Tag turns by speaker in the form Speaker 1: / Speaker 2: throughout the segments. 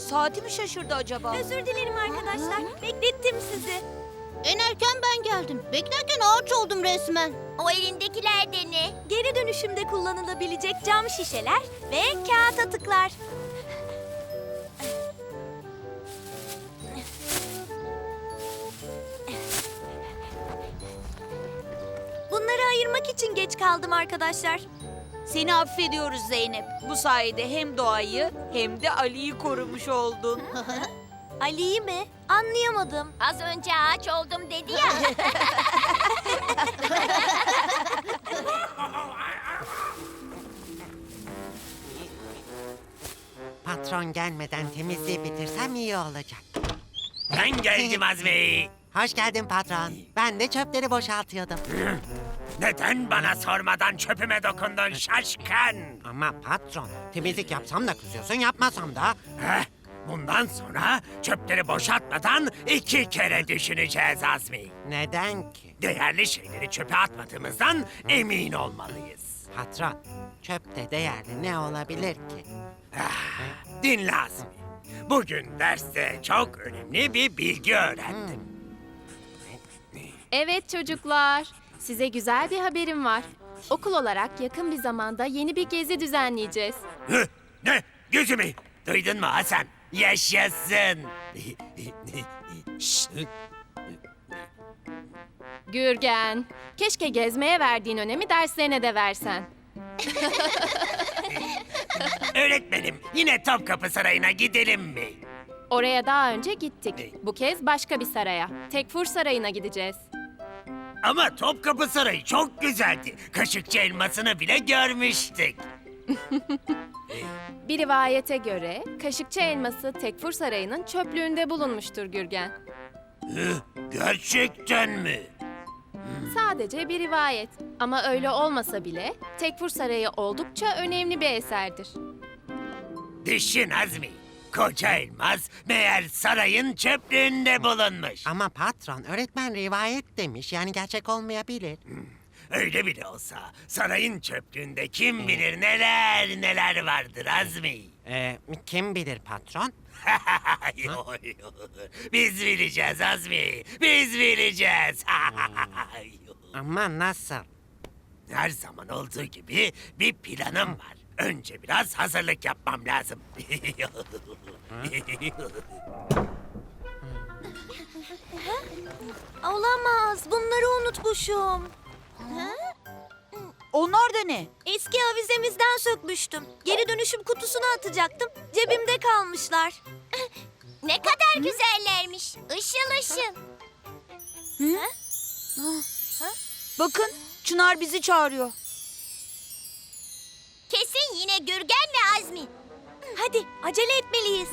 Speaker 1: Saati mi şaşırdı acaba?
Speaker 2: Özür dilerim arkadaşlar. Beklettim sizi.
Speaker 3: En erken ben geldim. Beklerken ağaç oldum resmen.
Speaker 2: O elindekiler de ne? Geri dönüşümde kullanılabilecek cam şişeler ve kağıt atıklar. Bunları ayırmak için geç kaldım arkadaşlar.
Speaker 1: Seni affediyoruz Zeynep. Bu sayede hem doğayı hem de Ali'yi korumuş oldun.
Speaker 2: Ali'yi mi? Anlayamadım.
Speaker 4: Az önce ağaç oldum dedi ya.
Speaker 5: Patron gelmeden temizliği bitirsem iyi olacak.
Speaker 6: Ben geldim Azmi.
Speaker 5: Hoş geldin patron. Ben de çöpleri boşaltıyordum.
Speaker 6: Neden bana sormadan çöpüme dokundun şaşkın?
Speaker 5: Ama patron, temizlik yapsam da kızıyorsun, yapmasam da.
Speaker 6: Heh, bundan sonra çöpleri boşaltmadan 2 kere düşüneceğiz Azmi.
Speaker 5: Neden ki?
Speaker 6: Değerli şeyleri çöpe atmadığımızdan emin olmalıyız.
Speaker 5: Patron, çöpte değerli ne olabilir ki?
Speaker 6: Dinle Azmi. Bugün derste çok önemli bir bilgi öğrendim.
Speaker 7: Evet çocuklar, size güzel bir haberim var. Okul olarak yakın bir zamanda yeni bir gezi düzenleyeceğiz.
Speaker 6: Hı, ne? Gözümü. Duydun mu Hasan? Yaşasın. Şşt,
Speaker 7: Gürgen, keşke gezmeye verdiğin önemi derslerine de versen.
Speaker 6: öğretmenim, yine Topkapı Sarayı'na gidelim mi?
Speaker 7: Oraya daha önce gittik. Bu kez başka bir saraya. Tekfur Sarayı'na gideceğiz.
Speaker 6: Ama Topkapı Sarayı çok güzeldi. Kaşıkçı elmasını bile görmüştük.
Speaker 7: Bir rivayete göre Kaşıkçı elması Tekfur Sarayı'nın çöplüğünde bulunmuştur Gürgen.
Speaker 6: Gerçekten mi?
Speaker 7: Sadece bir rivayet. Ama öyle olmasa bile Tekfur Sarayı oldukça önemli bir eserdir.
Speaker 6: Düşün Azmi. Koca elmas meğer sarayın çöplüğünde bulunmuş.
Speaker 5: Ama patron, öğretmen rivayet demiş, yani gerçek olmayabilir.
Speaker 6: Öyle bile olsa sarayın çöplüğünde kim bilir neler neler vardır Azmi.
Speaker 5: Kim bilir patron?
Speaker 6: Biz bileceğiz Azmi. Biz bileceğiz.
Speaker 5: Ama nasıl?
Speaker 6: Her zaman olduğu gibi bir planım var. Önce biraz hazırlık yapmam lazım.
Speaker 2: Olamaz. Bunları unutmuşum.
Speaker 1: Onlar da ne?
Speaker 2: Eski avizemizden sökmüştüm. Geri dönüşüm kutusuna atacaktım. Cebimde kalmışlar.
Speaker 4: Ne kadar güzellermiş. Işıl ışıl.
Speaker 1: Bakın, Çınar bizi çağırıyor.
Speaker 4: Kesin yine Gürgen ve Azmi.
Speaker 2: Hadi acele etmeliyiz.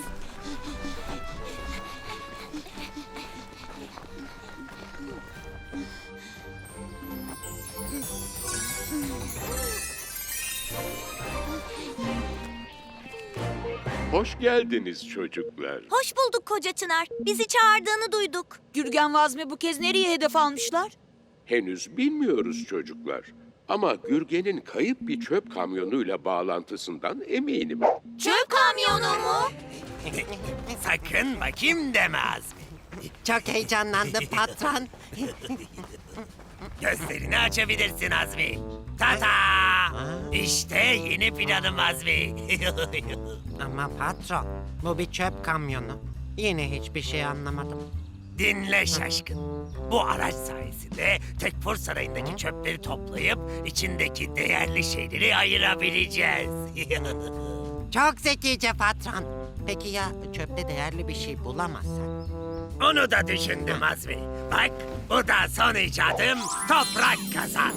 Speaker 8: Hoş geldiniz çocuklar.
Speaker 2: Hoş bulduk koca Çınar. Bizi çağırdığını duyduk.
Speaker 1: Gürgen ve Azmi bu kez nereye hedef almışlar?
Speaker 8: Henüz bilmiyoruz çocuklar. Ama Gürgen'in kayıp bir çöp kamyonuyla bağlantısından eminim.
Speaker 2: Çöp kamyonu mu?
Speaker 6: Sakın bakayım deme Azmi.
Speaker 5: Çok heyecanlandım patron.
Speaker 6: Gözlerini açabilirsin Azmi. Tata! İşte yeni planım Azmi.
Speaker 5: Ama patron, bu bir çöp kamyonu. Yine hiçbir şey anlamadım.
Speaker 6: Dinle şaşkın. Bu araç sayesinde Tekfur Sarayı'ndaki çöpleri toplayıp içindeki değerli şeyleri ayırabileceğiz.
Speaker 5: Çok zekice patron. Peki ya çöpte değerli bir şey bulamazsak?
Speaker 6: Onu da düşündüm Azmi. Bak, bu da son icadım toprak kazan.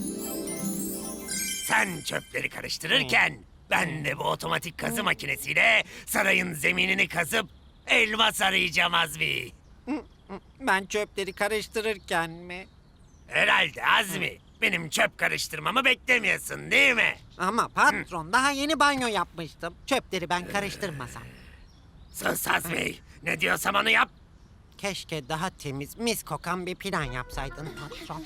Speaker 6: Sen çöpleri karıştırırken ben de bu otomatik kazı makinesiyle sarayın zeminini kazıp elmas arayacağım Azmi.
Speaker 5: Ben çöpleri karıştırırken mi?
Speaker 6: Herhalde Azmi. Benim çöp karıştırmamı beklemiyorsun değil mi?
Speaker 5: Ama patron, daha yeni banyo yapmıştım. Çöpleri ben karıştırmasam.
Speaker 6: Sus Azmi. Ne diyorsam onu yap.
Speaker 5: Keşke daha temiz, mis kokan bir plan yapsaydın patron.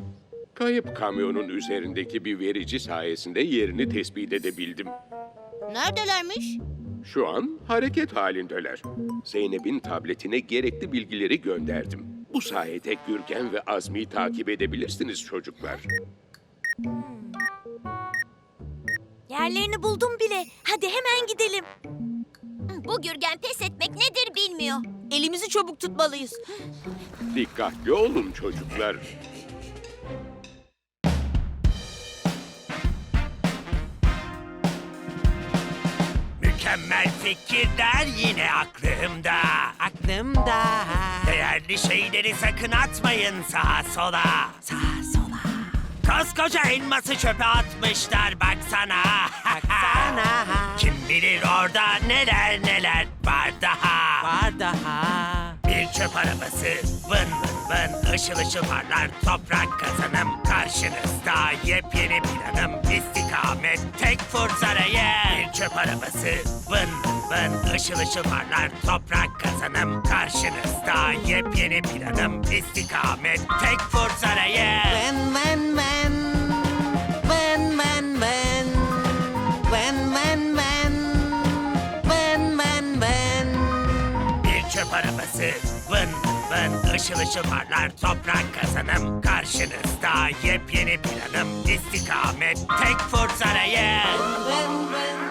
Speaker 8: Kayıp kamyonun üzerindeki bir verici sayesinde yerini tespit edebildim.
Speaker 3: Neredelermiş?
Speaker 8: Şu an hareket halindeler. Zeynep'in tabletine gerekli bilgileri gönderdim. Bu sayede Gürgen ve Azmi'yi takip edebilirsiniz çocuklar.
Speaker 2: Yerlerini buldum bile. Hadi hemen gidelim.
Speaker 4: Bu Gürgen pes etmek nedir bilmiyor.
Speaker 1: Elimizi çabuk tutmalıyız.
Speaker 8: Dikkatli olun çocuklar.
Speaker 6: Mükemmel fikirler yine aklımda.
Speaker 5: Aklımda.
Speaker 6: Değerli şeyleri sakın atmayın sağa sola.
Speaker 5: Sağa sola.
Speaker 6: Koskoca elması çöpe atmışlar baksana.
Speaker 5: Baksana.
Speaker 6: Kim bilir orada neler neler var daha.
Speaker 5: Var daha.
Speaker 6: Bir çöp arabası vın vın vın ışıl ışıl parlar toprak kazanım karşınızda yepyeni planım istikamet Tekfur Sarayı. Bir çöp arabası vın vın vın ışıl ışıl parlar toprak kazanım karşınızda yepyeni planım istikamet Tekfur Sarayı.
Speaker 5: When, when, when. When, when, when. When, when, when. When, when, when.
Speaker 6: Bir çöp arabası vın vın vın ışıl ışıl parlar toprak kazanım karşınızda yepyeni planım istikamet Tekfur Sarayı.
Speaker 5: When, when.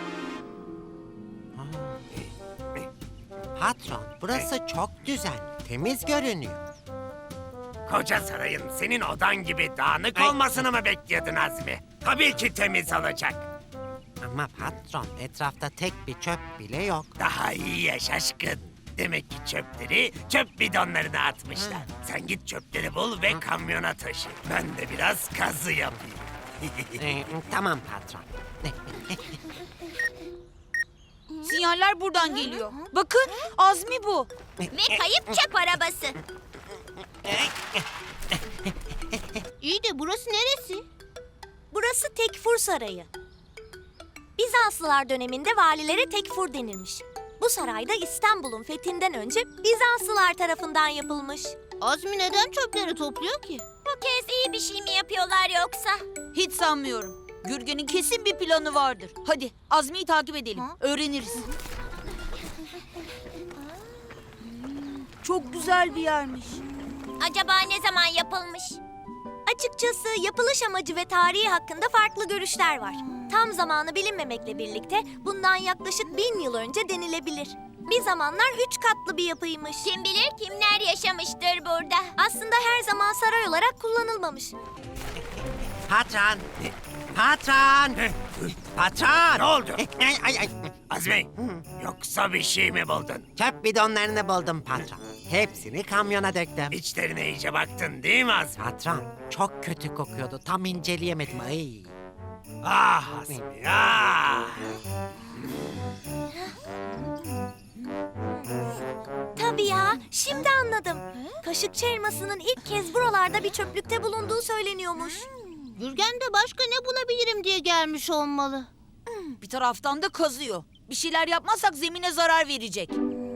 Speaker 5: Patron, burası çok güzel. Temiz görünüyor.
Speaker 6: Koca sarayın senin odan gibi dağınık
Speaker 5: Ay.
Speaker 6: olmasını mı bekliyordun Azmi? Tabii ki temiz olacak.
Speaker 5: Ama patron, etrafta tek bir çöp bile yok.
Speaker 6: Daha iyi ya şaşkın. Demek ki çöpleri çöp bidonlarına atmışlar. Sen git çöpleri bul ve kamyona taşı. Ben de biraz kazı yapayım.
Speaker 5: Tamam patron.
Speaker 1: Sinyaller buradan geliyor. Bakın Azmi bu.
Speaker 4: Ve kayıp çöp arabası.
Speaker 3: İyi de burası neresi?
Speaker 2: Burası Tekfur Sarayı. Bizanslılar döneminde valilere Tekfur denilmiş. Bu saray da İstanbul'un fethinden önce Bizanslılar tarafından yapılmış.
Speaker 3: Azmi neden çöpleri topluyor ki?
Speaker 4: Bu kez iyi bir şey mi yapıyorlar yoksa?
Speaker 1: Hiç sanmıyorum. Gürgen'in kesin bir planı vardır. Hadi Azmi'yi takip edelim. Öğreniriz. Çok güzel bir yermiş.
Speaker 4: Acaba ne zaman yapılmış?
Speaker 2: Açıkçası yapılış amacı ve tarihi hakkında farklı görüşler var. Tam zamanı bilinmemekle birlikte bundan yaklaşık 1000 yıl önce denilebilir. Bir zamanlar 3 katlı bir yapıymış.
Speaker 4: Kim bilir kimler yaşamıştır burada.
Speaker 2: Aslında her zaman saray olarak kullanılmamış.
Speaker 5: Patron! Patron! Patron!
Speaker 6: Ne oldu?
Speaker 5: Ay.
Speaker 6: Azmi, yoksa bir şey mi buldun?
Speaker 5: Çöp bidonlarını buldum patron. Hepsini kamyona döktüm.
Speaker 6: İçlerine iyice baktın değil mi Azmi?
Speaker 5: Patron, çok kötü kokuyordu. Tam inceleyemedim. Ay.
Speaker 6: Ah Azmi, ah!
Speaker 2: Tabii ya, şimdi anladım. Kaşıkçı elmasının ilk kez buralarda bir çöplükte bulunduğu söyleniyormuş.
Speaker 3: Gürgen de başka ne bulabilirim diye gelmiş olmalı.
Speaker 1: Bir taraftan da kazıyor. Bir şeyler yapmazsak zemine zarar verecek.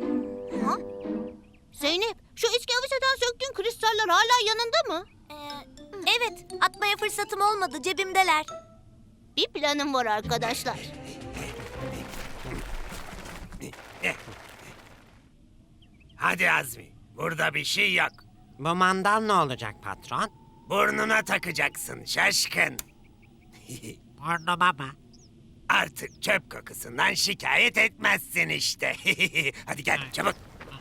Speaker 3: Zeynep, şu eski avizadan söktüğün kristaller hala yanında mı?
Speaker 2: Evet, atmaya fırsatım olmadı, cebimdeler.
Speaker 3: Bir planım var arkadaşlar.
Speaker 6: Hadi Azmi, burada bir şey yok.
Speaker 5: Bu mandal ne olacak patron?
Speaker 6: Burnuna takacaksın şaşkın.
Speaker 5: Burnuma mı?
Speaker 6: Artık çöp kokusundan şikayet etmezsin işte. Hadi gel çabuk.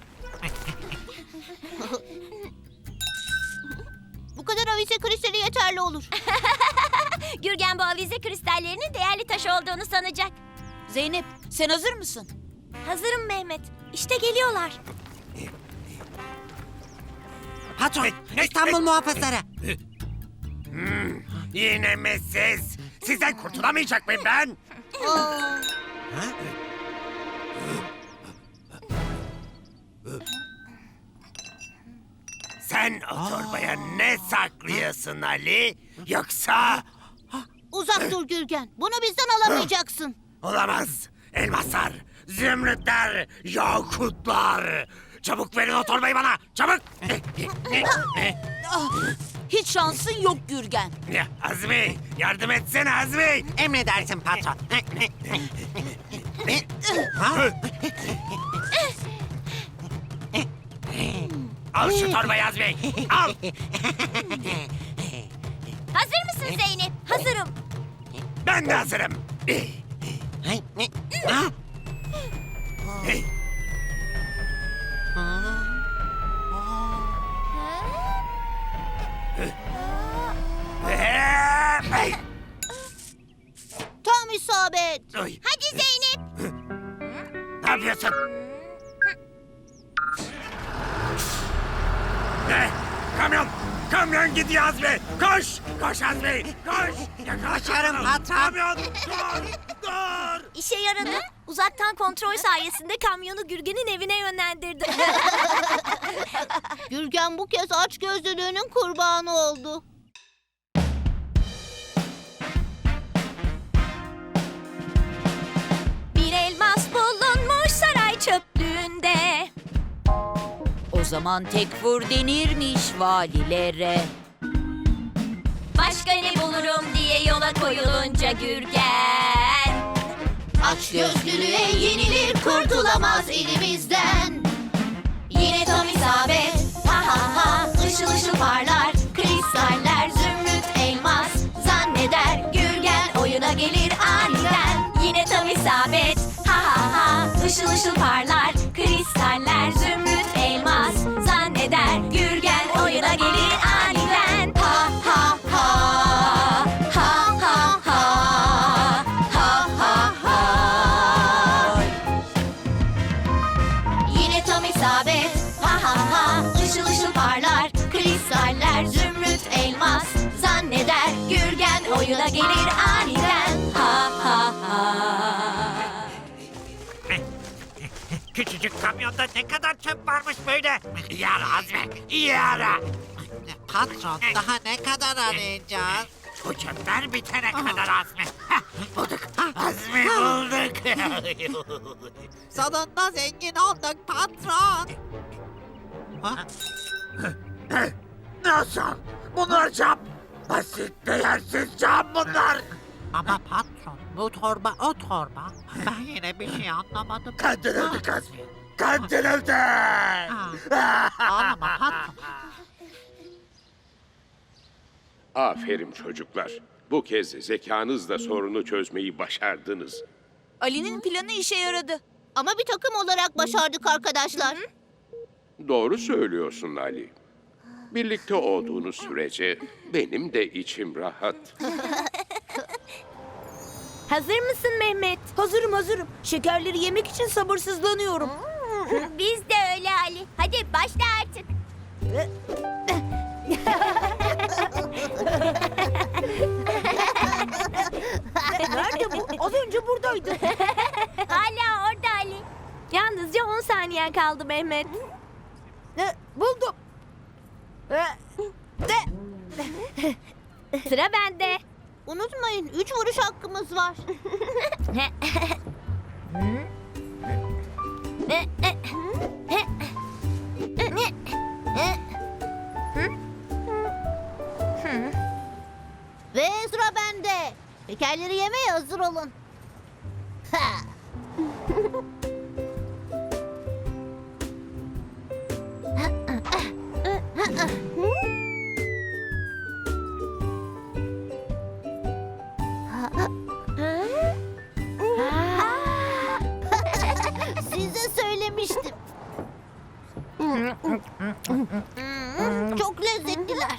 Speaker 3: Bu kadar avize kristali yeterli olur.
Speaker 4: Gürgen bu avize kristallerinin değerli taş olduğunu sanacak.
Speaker 1: Zeynep, sen hazır mısın?
Speaker 2: Hazırım Mehmet. İşte geliyorlar.
Speaker 5: Patron, İstanbul muhafızları.
Speaker 6: Yine mi siz? Sizden kurtulamayacak mıyım ben? Sen o torbaya ne saklıyorsun Ali? Yoksa...
Speaker 3: Uzak dur Gürgen. Bunu bizden alamayacaksın.
Speaker 6: Olamaz. Elmaslar, zümrütler, yakutlar. Çabuk verin o torbayı bana. Çabuk.
Speaker 1: Hiç şansın yok Gürgen.
Speaker 6: Azmi yardım etsene Azmi.
Speaker 5: Emredersin patron. Ha?
Speaker 6: Al şu torbayı Azmi. Al.
Speaker 4: Hazır mısın Zeynep?
Speaker 2: Hazırım.
Speaker 6: Ben de hazırım.
Speaker 5: Ha?
Speaker 3: Tam isabet.
Speaker 6: Oy.
Speaker 4: Hadi Zeynep.
Speaker 6: Ne yapıyorsun? Ne? Kamyon! Kamyon gidiyor Azmi! Koş! Koş Azmi! Koş!
Speaker 5: Başarım patron.
Speaker 6: Kamyon! Dur! Dur!
Speaker 2: İşe yaradı. Uzaktan kontrol sayesinde kamyonu Gürgen'in evine yönlendirdim.
Speaker 3: Gürgen bu kez açgözlülüğünün kurbanı oldu.
Speaker 2: Bir elmas bulunmuş saray çöplüğünde.
Speaker 1: O zaman Tekfur denirmiş valilere.
Speaker 4: Başka ne bulurum diye yola koyulunca Gürgen.
Speaker 3: Açgözlülüğe yenilir, kurtulamaz elimizden.
Speaker 4: Yine tam isabet. Ha ha ha. Işıl ışıl parlar. Kristaller, zümrüt, elmas. Zanneder Gürgen oyuna gelir aniden. Yine tam isabet. Ha ha ha. Işıl ışıl parlar. Kristaller, zümrüt, elmas. Zanneder Gürgen oyuna gelir aniden. Ha ha ha. Ha ha ha. Ha ha ha. Yine tam isabet. Ha ha ha. Işıl ışıl parlar. Kristaller, zümrüt, elmas. Zanneder Gürgen oyuna gelir aniden. Ha ha ha.
Speaker 6: Küçücük kamyonda ne kadar çöp varmış böyle. Yara Azmi! Yara!
Speaker 5: Patron daha ne kadar arayacağız?
Speaker 6: Bu çöpler bitene kadar Azmi. Hah, bulduk. Azmi bulduk.
Speaker 5: Sonunda zengin olduk patron. Ha?
Speaker 6: Nasıl? Bunlar cam. Basit değersiz cam bunlar.
Speaker 5: Ama patron bu torba o torba. Ben yine bir şey anlamadım.
Speaker 6: Kandırıldık Azmi. Kandırıldık.
Speaker 5: Ağlama patron.
Speaker 8: Aferin çocuklar. Bu kez zekanızla sorunu çözmeyi başardınız.
Speaker 1: Ali'nin planı işe yaradı.
Speaker 3: Ama bir takım olarak başardık arkadaşlar.
Speaker 8: Doğru söylüyorsun Ali. Birlikte olduğunuz sürece benim de içim rahat.
Speaker 2: Hazır mısın Mehmet?
Speaker 1: Hazırım hazırım. Şekerleri yemek için sabırsızlanıyorum.
Speaker 4: Biz de öyle Ali. Hadi başla artık.
Speaker 1: Nerede bu? Az önce buradaydı.
Speaker 4: Hala orada Ali.
Speaker 2: Yalnızca 10 saniyen kaldı Mehmet.
Speaker 1: Buldum.
Speaker 2: Sıra bende.
Speaker 3: Unutmayın 3 vuruş hakkımız var. Ve sıra bende. Şekerleri yemeye hazır olun. Size söylemiştim. Çok lezzetliler.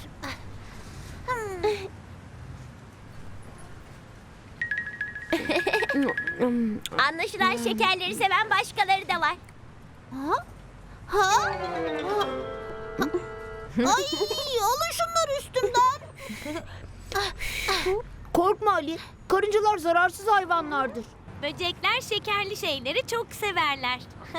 Speaker 4: Anlaşılan şekerleri seven başkaları da var.
Speaker 3: Ha? Ha? Ay, alın şunları üstümden.
Speaker 1: Korkma Ali. Karıncalar zararsız hayvanlardır.
Speaker 2: Böcekler şekerli şeyleri çok severler.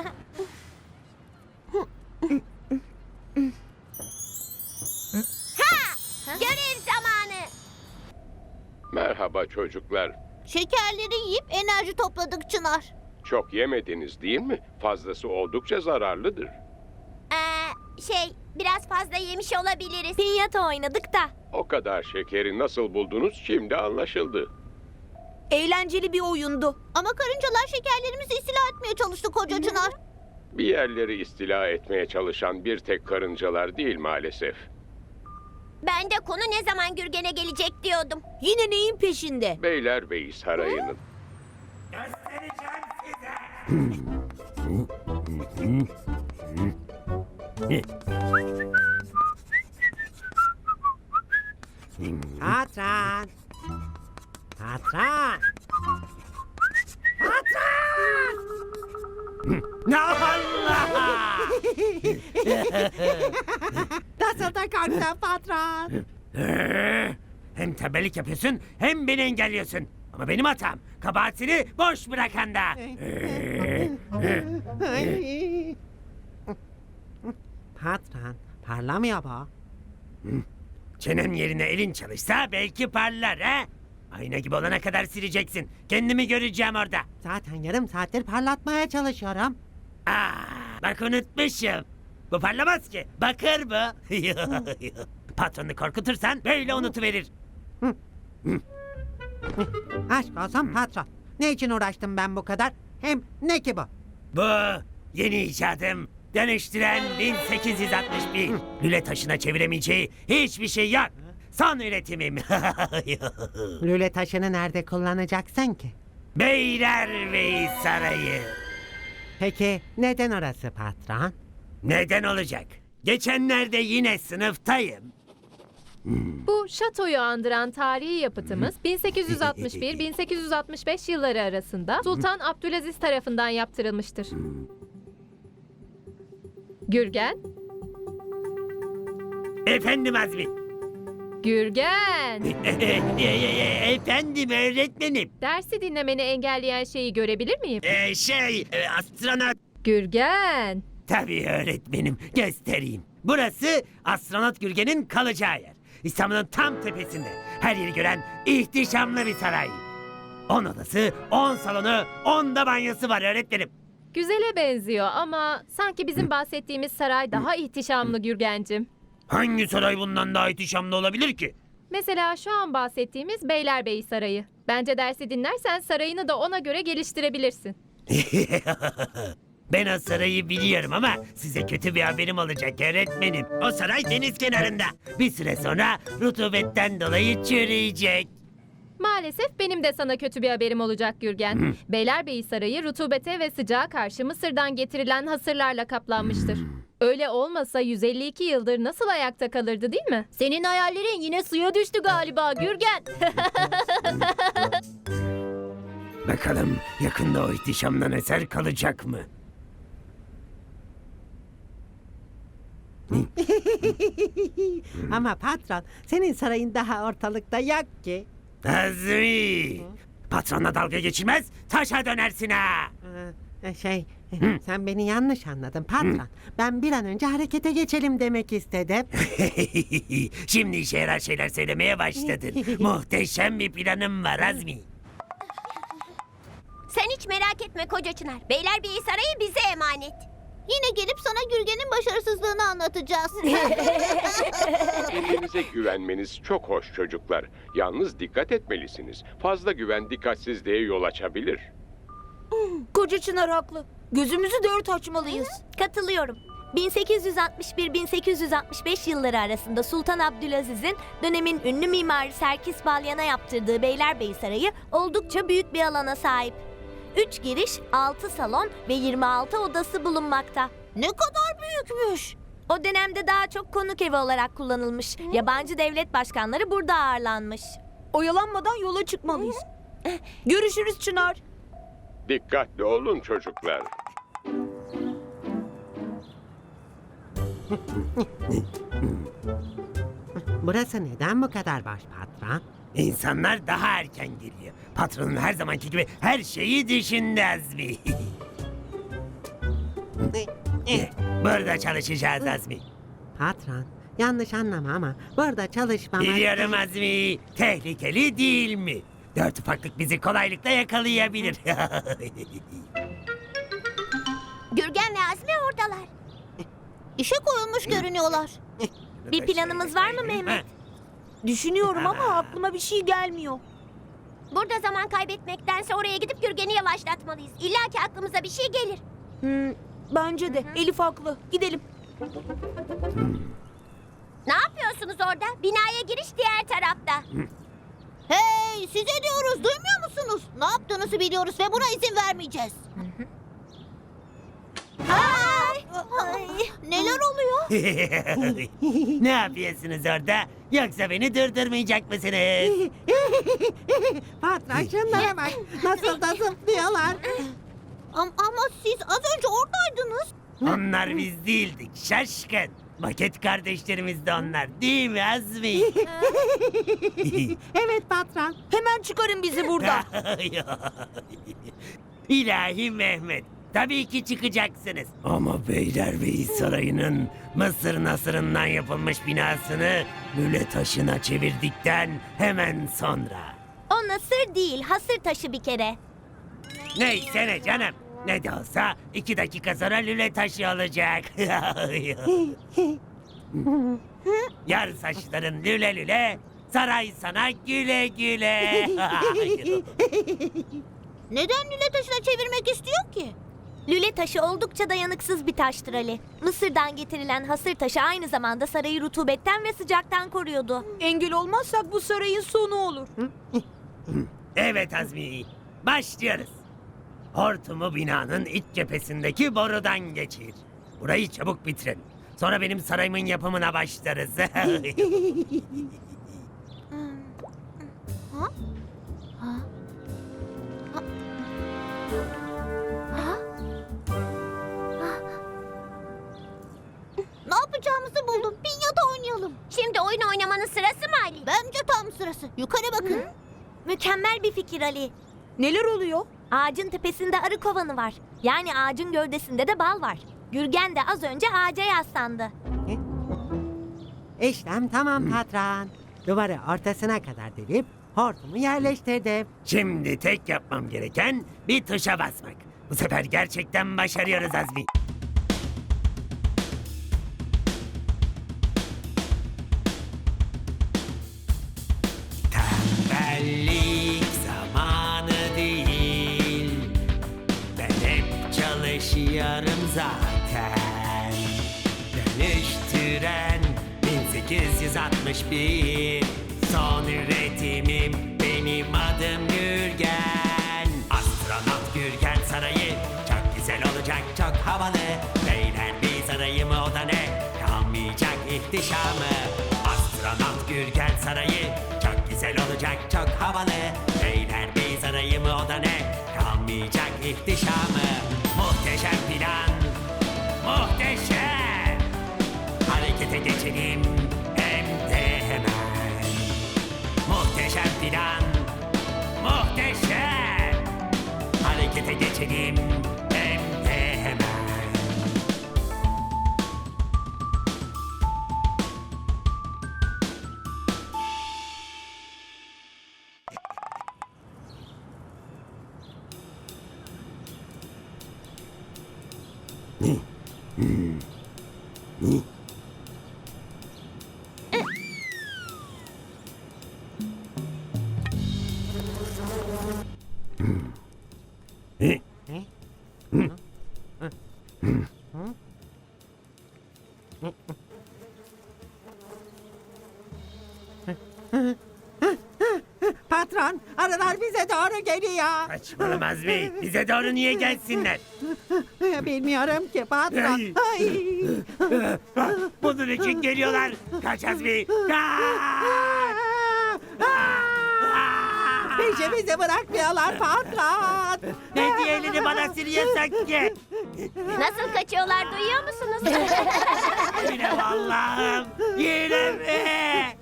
Speaker 4: Görev zamanı.
Speaker 8: Merhaba çocuklar.
Speaker 3: Şekerleri yiyip enerji topladık Çınar.
Speaker 8: Çok yemediniz değil mi? Fazlası oldukça zararlıdır.
Speaker 3: Biraz fazla yemiş olabiliriz.
Speaker 2: Pinyata oynadık da.
Speaker 8: O kadar şekeri nasıl buldunuz şimdi anlaşıldı.
Speaker 1: Eğlenceli bir oyundu.
Speaker 3: Ama karıncalar şekerlerimizi istila etmeye çalıştı koca Çınar.
Speaker 8: Bir yerleri istila etmeye çalışan bir tek karıncalar değil maalesef.
Speaker 3: Ben de konu ne zaman Gürgen'e gelecek diyordum.
Speaker 1: Yine neyin peşinde?
Speaker 8: Beylerbeyi Sarayı'nın.
Speaker 6: Göstereceğim size.
Speaker 5: Patron. Patron.
Speaker 6: Allah!
Speaker 5: Nasıl da korktun patron?
Speaker 6: Hem tembellik yapıyorsun hem beni engelliyorsun. Ama benim hatam. Kabahatini boş bırakan da.
Speaker 5: Patron, parlamıyor bu.
Speaker 6: Çenem yerine elin çalışsa belki parlar ha? Ayna gibi olana kadar sileceksin. Kendimi göreceğim orada.
Speaker 5: Zaten yarım saattir parlatmaya çalışıyorum.
Speaker 6: Bak unutmuşum. Bu parlamaz ki. Bakır bu. Patronu korkutursan böyle unutuverir.
Speaker 5: Aşk olsun patron. Ne için uğraştım ben bu kadar? Hem ne ki bu?
Speaker 6: Bu yeni icadım. Dönüştüren 1861. Lüle taşına çeviremeyeceği hiçbir şey yok. Son üretimim.
Speaker 5: Lüle taşını nerede kullanacaksın ki?
Speaker 6: Beylerbeyi Sarayı.
Speaker 5: Peki neden orası patron?
Speaker 6: Neden olacak? Geçenlerde yine sınıftayım.
Speaker 7: Bu şatoyu andıran tarihi yapıtımız 1861-1865 yılları arasında Sultan Abdülaziz tarafından yaptırılmıştır. Gürgen,
Speaker 6: Efendim Azmi.
Speaker 7: Gürgen.
Speaker 6: Efendim öğretmenim.
Speaker 7: Dersi dinlemeni engelleyen şeyi görebilir miyim?
Speaker 6: Astronot.
Speaker 7: Gürgen.
Speaker 6: Tabii öğretmenim, göstereyim. Burası astronot Gürgen'in kalacağı yer. İstanbul'un tam tepesinde. Her yeri gören ihtişamlı bir saray. 10 odası, 10 salonu, 10 da banyosu var öğretmenim.
Speaker 7: Güzele benziyor ama sanki bizim bahsettiğimiz saray daha ihtişamlı Gürgencim.
Speaker 6: Hangi saray bundan daha ihtişamlı olabilir ki?
Speaker 7: Mesela şu an bahsettiğimiz Beylerbeyi Sarayı. Bence dersi dinlersen sarayını da ona göre geliştirebilirsin.
Speaker 6: Ben o sarayı biliyorum ama size kötü bir haberim olacak öğretmenim. O saray deniz kenarında. Bir süre sonra rutubetten dolayı çürüyecek.
Speaker 7: Maalesef benim de sana kötü bir haberim olacak Gürgen. Beylerbeyi Sarayı rutubete ve sıcağa karşı Mısır'dan getirilen hasırlarla kaplanmıştır. Öyle olmasa 152 yıldır nasıl ayakta kalırdı değil mi? Senin hayallerin yine suya düştü galiba Gürgen.
Speaker 6: Bakalım yakında o ihtişamdan eser kalacak mı?
Speaker 5: Ama patron, senin sarayın daha ortalıkta yok ki.
Speaker 6: Azmi! Patronla dalga geçilmez, taşa dönersin ha!
Speaker 5: Sen beni yanlış anladın patron. Ben bir an önce harekete geçelim demek istedim.
Speaker 6: Şimdi işe yarar şeyler söylemeye başladın. Muhteşem bir planım var Azmi.
Speaker 3: Sen hiç merak etme koca Çınar. Beylerbeyi Sarayı bize emanet. Yine gelip sana Gürgen'in başarısızlığını anlatacağız.
Speaker 8: Kendinize güvenmeniz çok hoş çocuklar. Yalnız dikkat etmelisiniz. Fazla güven dikkatsizliğe yol açabilir.
Speaker 1: Koca Çınar haklı. Gözümüzü dört açmalıyız.
Speaker 2: Katılıyorum. 1861-1865 yılları arasında Sultan Abdülaziz'in dönemin ünlü mimarı Serkis Balyan'a yaptırdığı Beylerbeyi Sarayı oldukça büyük bir alana sahip. 3 giriş, 6 salon ve 26 odası bulunmakta.
Speaker 3: Ne kadar büyükmüş.
Speaker 2: O dönemde daha çok konuk evi olarak kullanılmış. Yabancı devlet başkanları burada ağırlanmış.
Speaker 1: Oyalanmadan yola çıkmalıyız. Görüşürüz Çınar.
Speaker 8: Dikkatli olun çocuklar.
Speaker 5: Burası neden bu kadar boş patron?
Speaker 6: İnsanlar daha erken geliyor. Patronun her zamanki gibi her şeyi düşündü Azmi. Burada çalışacağız Azmi.
Speaker 5: Patron, yanlış anlama ama burada çalışmamak...
Speaker 6: Biliyorum Azmi. Tehlikeli değil mi? 4 ufaklık bizi kolaylıkla yakalayabilir.
Speaker 3: Gürgen ve Azmi oradalar. İşe koyulmuş görünüyorlar.
Speaker 2: Bir planımız var mı Mehmet?
Speaker 1: Düşünüyorum ama aklıma bir şey gelmiyor.
Speaker 3: Burada zaman kaybetmektense oraya gidip Gürgen'i yavaşlatmalıyız. İlla ki aklımıza bir şey gelir.
Speaker 1: Bence de. Elif haklı. Gidelim.
Speaker 3: Ne yapıyorsunuz orada? Binaya giriş diğer tarafta. Hey, size diyoruz, duymuyor musunuz? Ne yaptığınızı biliyoruz ve buna izin vermeyeceğiz. Ay, neler oluyor?
Speaker 6: Ne yapıyorsunuz orada? Yoksa beni durdurmayacak mısınız?
Speaker 5: Patron şunlara bak. Nasıl da zıplıyorlar.
Speaker 3: Ama siz az önce oradaydınız.
Speaker 6: Onlar biz değildik şaşkın. Maket kardeşlerimiz de onlar değil mi Azmi?
Speaker 5: Evet patron.
Speaker 1: Hemen çıkarın bizi buradan.
Speaker 6: İlahi Mehmet. Tabii ki çıkacaksınız. Ama Beylerbeyi Sarayı'nın Mısır nasırından yapılmış binasını lüle taşına çevirdikten hemen sonra.
Speaker 2: O nasır değil, hasır taşı bir kere.
Speaker 6: Neyse ne canım. Ne de olsa 2 dakika sonra lüle taşı olacak. Yar saçların lüle lüle, saray sana güle güle.
Speaker 3: Neden lüle taşına çevirmek istiyor ki?
Speaker 2: Lüle taşı oldukça dayanıksız bir taştır Ali. Mısır'dan getirilen hasır taşı aynı zamanda sarayı rutubetten ve sıcaktan koruyordu.
Speaker 1: Engel olmazsak bu sarayın sonu olur.
Speaker 6: Evet Azmi, başlıyoruz. Hortumu binanın iç cephesindeki borudan geçir. Burayı çabuk bitirin. Sonra benim sarayımın yapımına başlarız.
Speaker 3: Ne yapacağımızı buldum. Pinyata oynayalım. Şimdi oyun oynamanın sırası mı Ali? Bence tam sırası. Yukarı bakın.
Speaker 2: Mükemmel bir fikir Ali.
Speaker 1: Neler oluyor?
Speaker 2: Ağacın tepesinde arı kovanı var. Yani ağacın gövdesinde de bal var. Gürgen de az önce ağaca yaslandı.
Speaker 5: İşlem tamam patron. Duvarı ortasına kadar delip hortumu yerleştirdim.
Speaker 6: Şimdi tek yapmam gereken bir tuşa basmak. Bu sefer gerçekten başarıyoruz Azmi. Tembellik zamanı değil. Ben hep çalışıyorum zaten. Dönüştüren 1861. Son üretimim benim adım Gürgen. Astronot Gürgen Sarayı çok güzel olacak, çok havalı. Beylerbeyi Sarayı mı o da ne? Kalmayacak ihtişamı. Astronot Gürgen Sarayı çok güzel olacak, çok havalı. Beylerbeyi Sarayı mı o da ne? Kalmayacak ihtişamı. Muhteşem plan, muhteşem. Harekete geçelim hem de hemen. Muhteşem plan, muhteşem. Harekete geçelim hem de hemen.
Speaker 5: Patron arılar bize doğru geliyor.
Speaker 6: Saçmalama Azmi, bize doğru niye gelsinler?
Speaker 5: Bilmiyorum ki patron. Ay.
Speaker 6: Bunun için geliyorlar. Kaç Azmi, kaç!
Speaker 5: Peşimizi bırakmıyorlar patron.
Speaker 6: Ne diye elini bana sürüyorsun ki?
Speaker 3: Nasıl kaçıyorlar duyuyor musunuz?
Speaker 6: Yine mi Allah'ım, yine mi?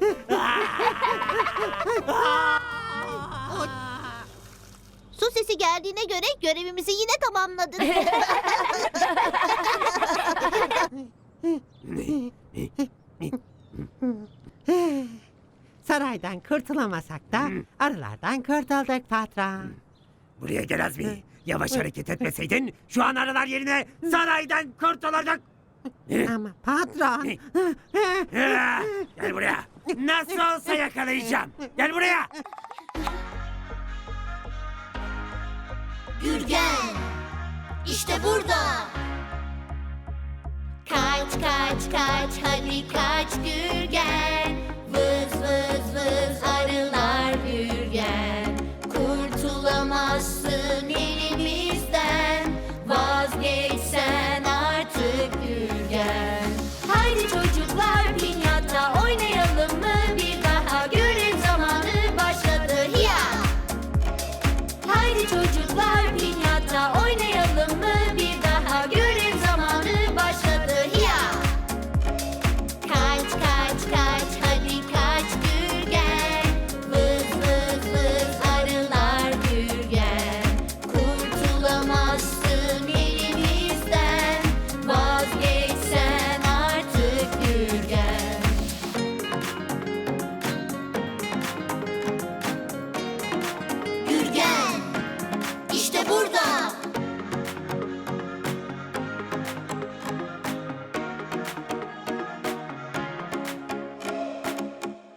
Speaker 3: Su sesi geldiğine göre görevimizi yine tamamladık.
Speaker 5: Saraydan kurtulamasak da arılardan kurtulduk patron.
Speaker 6: Buraya gel Azmi. Yavaş hareket etmeseydin şu an arılar yerine saraydan kurtulurduk.
Speaker 5: Ama patron.
Speaker 6: Gel buraya. Nasıl olsa yakalayacağım. Gel buraya.
Speaker 4: Gürgen işte burada. Kaç kaç kaç hadi kaç Gürgen. Vız vız vız arılar